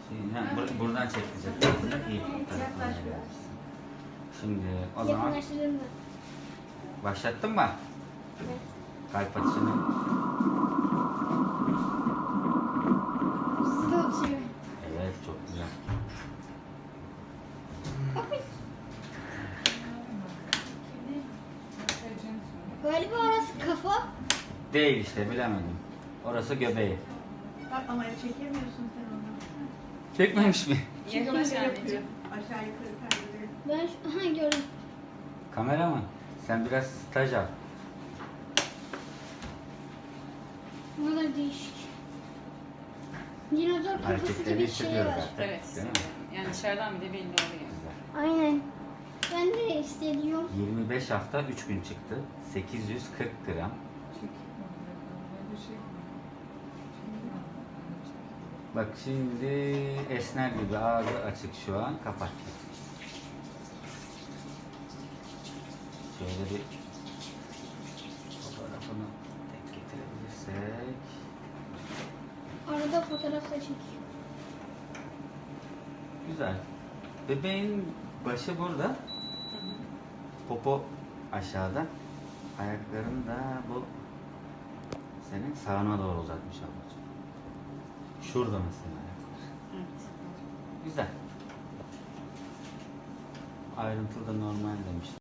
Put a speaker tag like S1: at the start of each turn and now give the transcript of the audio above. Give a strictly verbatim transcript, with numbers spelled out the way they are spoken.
S1: Yani bur- buradan çekecek. İyi. Şimdi o zaman
S2: Yakınlaştırdın mı?
S1: başlattın mı?
S2: Evet.
S1: Kalp atışını.
S2: Hızlı atıyor.
S1: Evet, çok güzel.
S2: Galiba orası kafa.
S1: Değil işte, bilemedim. Orası göbeği.
S3: Bak ama çekemiyorsun sen onu.
S1: Çekmemiş mi?
S3: Çünkü
S4: Yaklaş
S3: öyle
S4: anneciğim.
S3: yapıyor. Aşağı yukarı kaydırıyor.
S2: Ben şu- aha gördüm.
S1: Kameraman, sen biraz staj al.
S2: Bu da değişik. Dinozor kafası
S1: Hareketleri
S2: gibi bir şey
S1: hissediyoruz
S2: var.
S1: zaten.
S4: Evet.
S1: Değil mi?
S4: Yani dışarıdan bir de belli oluyor.
S1: Güzel.
S2: Aynen. Ben de hissediyorum.
S1: yirmi beş hafta üç gün çıktı. sekiz yüz kırk gram. Bak şimdi esner gibi, ağzı açık şu an, kapat. Şöyle bir fotoğrafını tek getirebilirsek.
S2: Arada fotoğraf da çekiyor.
S1: Güzel. Bebeğin başı burada. Popo aşağıda. Ayaklarını da bu senin sağına doğru uzatmış ablacığım. Şurada mesela ayaklar.
S4: Evet.
S1: Güzel. Ayrıntılı da normal demiş.